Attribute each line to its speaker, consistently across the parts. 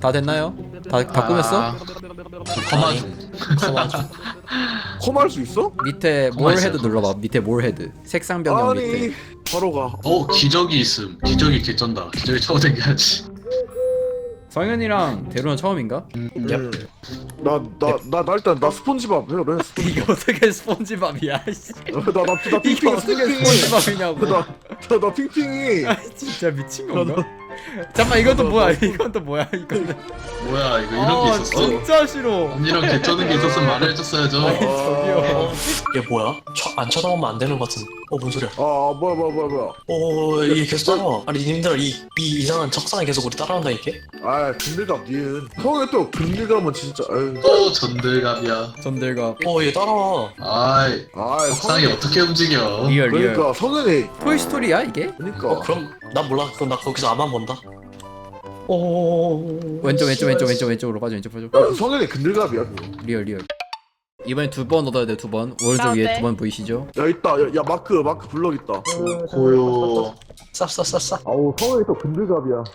Speaker 1: 다 됐나요? 다 꾸몄어?
Speaker 2: 커마주.
Speaker 3: 컴할 수 있어?
Speaker 1: 밑에
Speaker 2: 가만히
Speaker 1: 뭘
Speaker 2: 있어요,
Speaker 1: 헤드 눌러봐. 밑에 뭘 헤드. 색상 변경 밑에.
Speaker 3: 아니 바로 가.
Speaker 2: 기적이 있음. 기적이 개쩐다. 기적이 쳐댕겨야지
Speaker 1: 성현이랑 대루는 처음인가?
Speaker 3: 나 일단 나 스폰지밥 해 그래.
Speaker 1: 이게 어떻게 스폰지밥이야? 씨.
Speaker 3: 나
Speaker 1: 이게
Speaker 3: 핑핑
Speaker 1: 어떻게
Speaker 3: 핑핑이.
Speaker 1: 스폰지밥이냐고.
Speaker 3: 나 핑핑이.
Speaker 1: 아, 진짜 미친 건가? 잠깐만 이건 또 뭐야? 이건 또 뭐야? 이거는.
Speaker 2: 뭐야 이거 이런 게 있었어?
Speaker 1: 진짜 싫어.
Speaker 2: 언니랑 개쩌는 게 있었으면 말을 해줬어야죠.
Speaker 1: 저기요.
Speaker 4: 얘 뭐야? 안 쳐다보면 안 되는 것 같은. 뭔 소리야?
Speaker 3: 아 뭐야.
Speaker 4: 얘 계속 따라와. 아니 님들 이 이상한 적상이 계속 우리 따라온다니까?
Speaker 3: 아 근들갑 니은. 형이 또 근들갑은 진짜. 아유.
Speaker 2: 또 전들갑이야.
Speaker 1: 전들과
Speaker 4: 얘 따라와.
Speaker 2: 아이
Speaker 3: 아
Speaker 2: 석상이 어떻게 움직여?
Speaker 1: 리얼.
Speaker 3: 그러니까 성현이.
Speaker 1: 토이스토리야 이게?
Speaker 3: 그러니까.
Speaker 4: 그럼 난 몰라. 그럼 나 거기서 아만 본다.
Speaker 1: 왼쪽으로 빠져.
Speaker 3: 야, 성현이 근들갑이야 그거.
Speaker 1: 리얼. 이번에 2번 얻어야 돼. 2번. 오른쪽 위에
Speaker 5: 네.
Speaker 1: 2번 보이시죠?
Speaker 3: 야 있다. 야 마크 블럭 있다.
Speaker 2: 고요.
Speaker 4: 쌉.
Speaker 3: 아우 성현이 또 근들갑이야.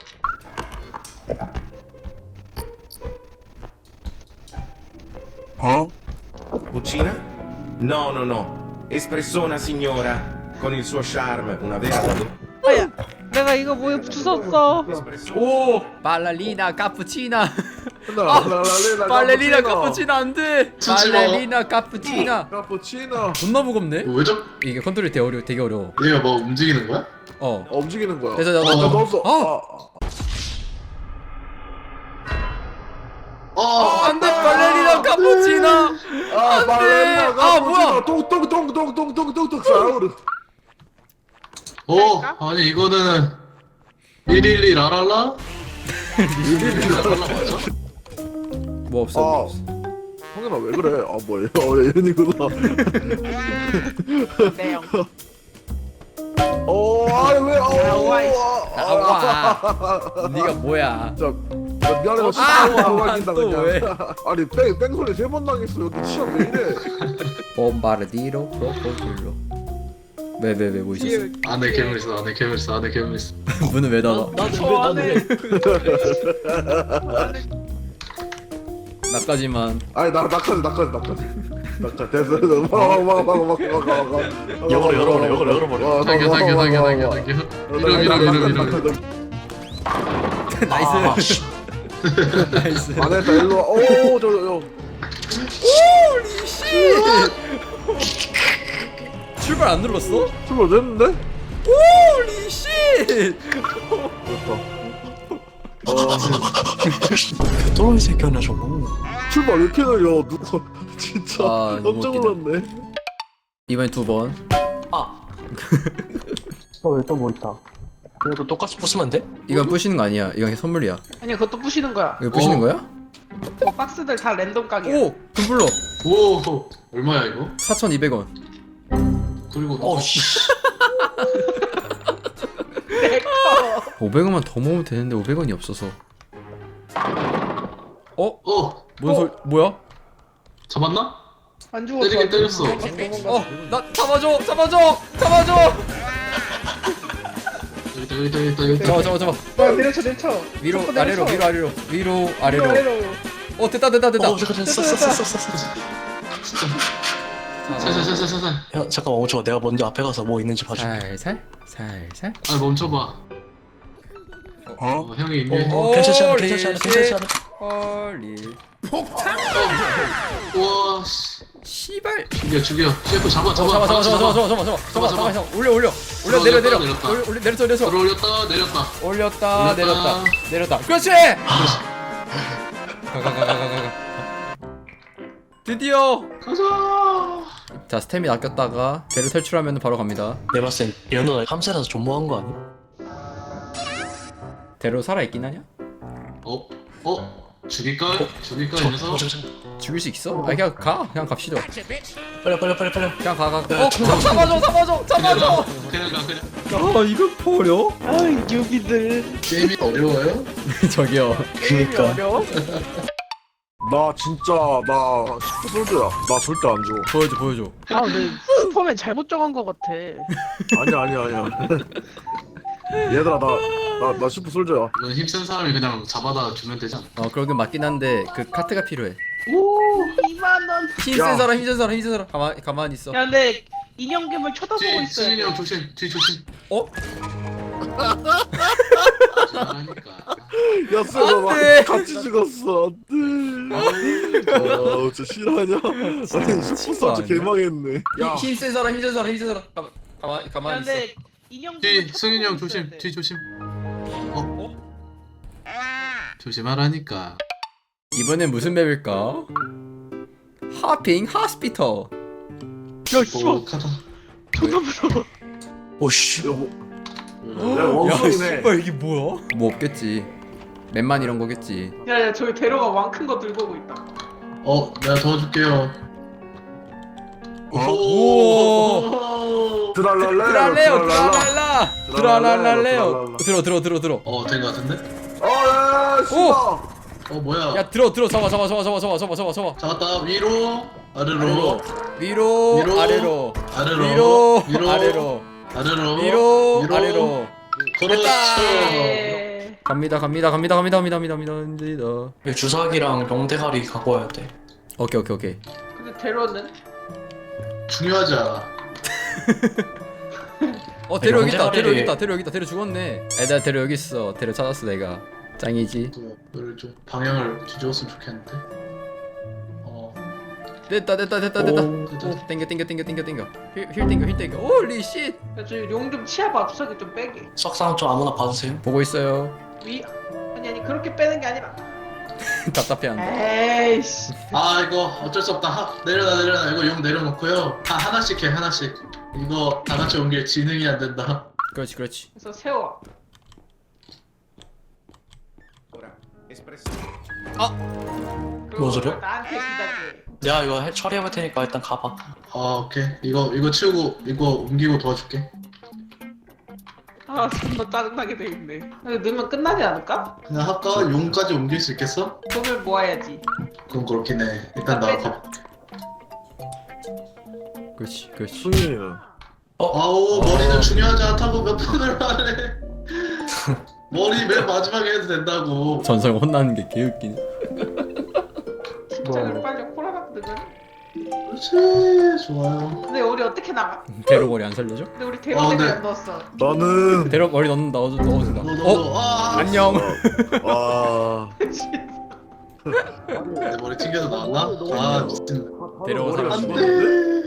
Speaker 6: Cucina? No, no, no. Espressona signora, con il suo charme, una vera
Speaker 5: 뭐야? 내가 이거 뭐에 주웠어.
Speaker 1: 오! 발레리나 카푸치나. 발레리나
Speaker 3: 발레리나
Speaker 1: 카푸치나 안 돼.
Speaker 2: 치지 마.
Speaker 1: 발레리나 카푸치나.
Speaker 3: 카푸치나.
Speaker 1: 존나 무겁네.
Speaker 2: 왜 저?
Speaker 1: 이게 컨트롤이 되게 어려워.
Speaker 2: 얘가 뭐 움직이는 거야?
Speaker 3: 움직이는 거야.
Speaker 1: 그래서 나
Speaker 3: 넣었어.
Speaker 1: 안돼 발레리나 카푸치나.
Speaker 3: 발레리나
Speaker 1: 아, 뭐야?
Speaker 3: 똥똥똥똥똥똥똥똥 사우르.
Speaker 2: 아니 이거는 112 라랄라? 112 라랄라 맞아?
Speaker 1: 뭐 없어.
Speaker 3: 성현아 왜 그래? 아 뭐야? 얘는이구나.
Speaker 5: 내용.
Speaker 3: 아니 왜?
Speaker 1: 나와. 네가 뭐야?
Speaker 3: 진짜 미안해 너 진짜
Speaker 1: 또 왜?
Speaker 3: 아니 뺑 소리 3번 당했어. 여기 치안 왜 이래?
Speaker 1: 봄바르디로 크로코딜로. 왜 뭐 있었어?
Speaker 2: 안에 괴물 있어.
Speaker 1: 문은 왜 닫아? 나까지만.
Speaker 3: 아니 나까지 됐어. 막
Speaker 4: 열어버려.
Speaker 2: 당겨.
Speaker 1: 나이스. 나이스.
Speaker 3: 안 했다 일로 와. 오저
Speaker 1: 홀리 씨. 출발 안 눌렀어?
Speaker 3: 출발 됐는데?
Speaker 1: 홀리 씨.
Speaker 4: 또라이 새끼 하나 저거.
Speaker 3: 출발 왜 이렇게 느려? 누가 진짜
Speaker 1: 아, 너무
Speaker 3: 깜짝
Speaker 1: 웃기다.
Speaker 3: 놀랐네.
Speaker 1: 이번에 2번.
Speaker 4: 또 뭐 있다. 그래도 똑같이 부수면 안 돼?
Speaker 1: 이건 부시는 거 아니야. 이건 선물이야.
Speaker 5: 아니 그것도 부시는 거야.
Speaker 1: 이거 부시는 거야?
Speaker 5: 그 박스들 다 랜덤 각이야.
Speaker 1: 오! 금블러.
Speaker 2: 오 얼마야 이거?
Speaker 1: 4,200원.
Speaker 2: 그리고
Speaker 4: 씨.
Speaker 5: 내꺼.
Speaker 1: 500원만 더 모으면 되는데 500원이 없어서. 뭔 소리? 뭐야?
Speaker 2: 잡았나?
Speaker 5: 안 죽었어.
Speaker 2: 때리긴 때렸어.
Speaker 1: 나 잡아줘!
Speaker 2: 여기다.
Speaker 1: 잡아.
Speaker 5: 야, 내려쳐.
Speaker 1: 위로
Speaker 5: 자꾸
Speaker 1: 아래로
Speaker 5: 내려쳐.
Speaker 1: 위로 아래로. 됐다.
Speaker 4: 잠깐 됐어.
Speaker 2: 살살살살살.
Speaker 4: 형 잠깐만 멈춰. 내가 먼저 앞에 가서 뭐 있는지 봐줄게.
Speaker 1: 살살.
Speaker 2: 아 멈춰봐. 형이 있네.
Speaker 4: 괜찮지 않아.
Speaker 1: 헐리.
Speaker 2: 우와 씨.
Speaker 1: 씨발.
Speaker 2: 죽여. 셰프 잡아.
Speaker 1: 잡아. 올려. 내려.
Speaker 2: 올렸다 내렸다.
Speaker 1: 내렸다. 그렇지. 가. 드디어.
Speaker 2: 가자.
Speaker 1: 자, 스태미 아꼈다가 배를 탈출하면 바로 갑니다.
Speaker 4: 내가 봤을 땐 연우가 함세라서 존모한 거 아니야?
Speaker 1: 대로 살아 있긴 하냐?
Speaker 2: 죽일까 이 녀석?
Speaker 1: 죽일 수 있어? 아, 그냥 갑시다.
Speaker 4: 빨리.
Speaker 1: 그냥 가. 잡아줘.
Speaker 2: 그냥
Speaker 1: 아, 이거 버려?
Speaker 5: 아이 뉴비들.
Speaker 2: 게임이 어려워요?
Speaker 1: 저기요.
Speaker 4: 그니까.
Speaker 5: 어려워?
Speaker 3: 나 진짜 나 10도 솔드야. 나 절대 안 줘.
Speaker 1: 보여줘.
Speaker 5: 아 근데 슈퍼맨 잘못 정한 거 같아.
Speaker 3: 아니야. 얘들아 나 나 슈퍼 솔저야.
Speaker 2: 이건 힘센 사람이 그냥 잡아다 주면 되지 않아?
Speaker 1: 그러긴 맞긴 한데 그 카트가 필요해.
Speaker 5: 오 2만원.
Speaker 1: 힘센
Speaker 3: 야.
Speaker 1: 사람 힘센 사람 힘센 사람 가만히 있어.
Speaker 5: 야 근데 인형 괴물 쳐다보고
Speaker 2: 뒤
Speaker 5: 있어야
Speaker 2: 승인이 형
Speaker 5: 돼.
Speaker 2: 조심. 뒤 조심.
Speaker 1: 어?
Speaker 2: 잘하니까.
Speaker 3: 야, 쎄,
Speaker 1: 안 돼.
Speaker 3: 나 같이 죽었어. 안 돼. 진짜 싫어하냐? 아니, 슈퍼 솔저 개망했네. 야,
Speaker 1: 힘센 사람 힘센 사람 힘센 사람 가만히
Speaker 5: 야
Speaker 1: 있어.
Speaker 5: 근데 인형
Speaker 2: 뒤
Speaker 5: 괴물
Speaker 2: 승인이 형
Speaker 5: 쳐다보고 있어야
Speaker 2: 조심.
Speaker 5: 돼.
Speaker 2: 뒤 조심. 조심하라니까.
Speaker 1: 이번엔 무슨 맵일까? 하핑 하스피터.
Speaker 5: 야 씨발
Speaker 2: 오카다.
Speaker 5: 존나 무서워.
Speaker 4: 오씨.
Speaker 3: 야, 야,
Speaker 1: 야
Speaker 3: 원숭이네.
Speaker 1: 씨발 이게 뭐야? 뭐 없겠지. 맵만 이런 거겠지.
Speaker 5: 야야 저기 대로가 왕 큰 거 들고 오고 있다.
Speaker 2: 내가 도와줄게요.
Speaker 1: 오.
Speaker 3: 드랄랄레요,
Speaker 1: 드랄레오. 들어.
Speaker 2: 된 거 같은데?
Speaker 3: 야, 씨발.
Speaker 2: 뭐야?
Speaker 1: 야 들어. 잡아.
Speaker 2: 잡았다. 위로, 아래로,
Speaker 1: 위로
Speaker 2: 위로,
Speaker 1: 아래로.
Speaker 2: 아래로,
Speaker 1: 위로 아래로.
Speaker 2: 아래로,
Speaker 1: 위로 아래로.
Speaker 2: 그렇죠.
Speaker 5: 에...
Speaker 1: 갑니다.
Speaker 4: 여기 주사기랑 명대가리 갖고 와야 돼.
Speaker 1: 오케이.
Speaker 5: 근데 대로는?
Speaker 2: 중요하지 않아.
Speaker 1: 데려 여기 있다.
Speaker 4: 명대가리-
Speaker 1: 데려 죽었네. 애들 데려 여기 있어. 데려 찾았어 내가. 짱이지.
Speaker 2: 너를 좀 방향을 뒤집었으면 좋겠는데.
Speaker 1: 됐다.
Speaker 2: 됐다.
Speaker 1: 땡겨. 힐 땡겨. 홀리 쉣.
Speaker 5: 야 저기 용 좀 치아봐. 주사기 좀 빼게.
Speaker 4: 석상 좀 아무나 받으세요.
Speaker 1: 보고 있어요.
Speaker 5: 아니 그렇게 빼는 게 아니라.
Speaker 1: 답답해 한다.
Speaker 5: 에이씨.
Speaker 2: 이거 어쩔 수 없다. 내려놔. 이거 용 내려놓고요. 하나씩 해, 하나씩. 이거 다 같이 옮길 지능이 안 된다.
Speaker 1: 그렇지.
Speaker 5: 그래서 세워.
Speaker 6: Ora, espressione.
Speaker 4: 뭔 소리야?
Speaker 5: 나한테 기다려.
Speaker 4: 내가 이거 처리해볼 테니까 일단 가봐.
Speaker 2: 오케이. 이거 치우고 이거 옮기고 도와줄게.
Speaker 5: 아 존나 짜증나게 돼 있네. 근데 넣으면 끝나지 않을까?
Speaker 2: 그냥 할까? 용까지 옮길 수 있겠어?
Speaker 5: 돈을 모아야지.
Speaker 2: 그건 그렇긴 해. 일단 나 가.
Speaker 1: 그렇지.
Speaker 3: 승인이는.
Speaker 2: 아우 머리는 중요하지 않다고 몇 번을 말해. 머리 맨 마지막에 해도 된다고.
Speaker 1: 전설 혼나는 게 개웃기네.
Speaker 5: 진짜를 빨리 호라락 넣으면.
Speaker 2: 그렇지. 좋아요.
Speaker 5: 근데 우리 어떻게 나가?
Speaker 1: 대로 머리 안 살려줘?
Speaker 5: 근데 우리 대로를
Speaker 2: 네.
Speaker 5: 안 넣었어.
Speaker 3: 나는.
Speaker 1: 대로 머리 넣어준다.
Speaker 2: 너.
Speaker 1: 안녕.
Speaker 3: 와.
Speaker 2: 내 머리 튕겨서 나왔나? 미친.
Speaker 1: 데려온 사람
Speaker 2: 안
Speaker 1: 죽어.
Speaker 2: 돼.